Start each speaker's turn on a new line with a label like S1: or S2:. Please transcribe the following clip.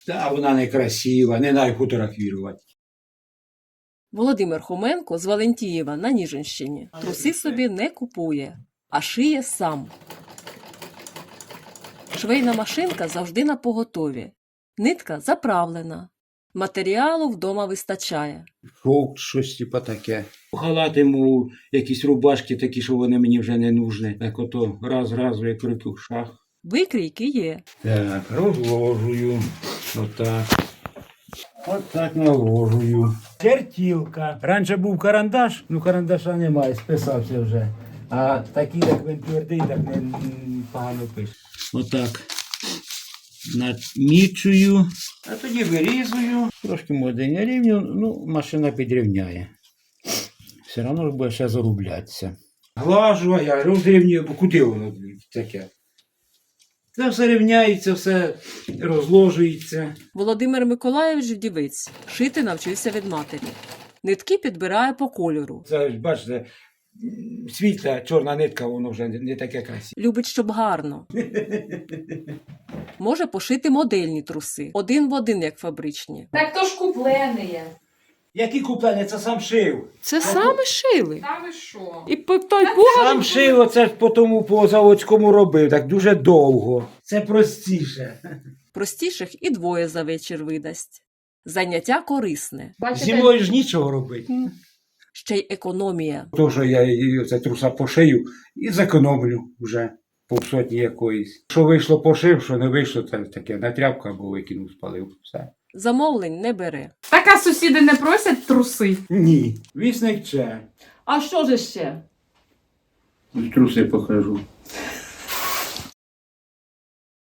S1: Та вона не красива, не дай фотографувати.
S2: Володимир Хоменко з Валентієва на Ніжинщині труси собі не купує, а шиє сам. Швейна машинка завжди на поготові. Нитка заправлена. Матеріалу вдома вистачає.
S1: Шовк, щось типа таке. Халати, мов, якісь рубашки такі, що вони мені вже не нужні. Так ото раз, як репюшах.
S2: Викрійки є.
S1: Так, розложую. Отак. Отак наложую. Чертілка. Раніше був карандаш, ну карандаша немає, списався вже. А такий, як він твердий, так не погано пише. Отак. Намічую, а тоді вирізую. Трошки може не рівню, ну машина підрівняє. Все одно ж буде ще зарублятися. Глажу, а я розрівнюю, бо куди воно таке? Це все рівняється, все розложується.
S2: Володимир Миколайович вдівець. Шити навчився від матері. Нитки підбирає по кольору.
S1: Це, бачите, світла, чорна нитка, воно вже не таке красиве.
S2: Любить, щоб гарно. Може пошити модельні труси. Один в один, як фабричні.
S3: Так то ж куплені.
S1: Які куплені, це сам шив.
S2: Це саме шили.
S3: Та ви що?
S2: І по той
S1: Сам шив, оце ж по тому по заводському робив, так дуже довго. Це простіше.
S2: Простіших і двоє за вечір видасть. Заняття корисне.
S1: Зимою ж нічого робити.
S2: Ще й економія.
S1: То, що я її це труса пошию і зекономлю вже півсотні якоїсь. Що вийшло пошив, що не вийшло, це таке на тряпку або викинув, спалив. Все.
S2: Замовлень не бере.
S3: Так, а сусіди не просять труси?
S1: Ні, вісник це.
S3: А що ж ще?
S1: Труси покажу.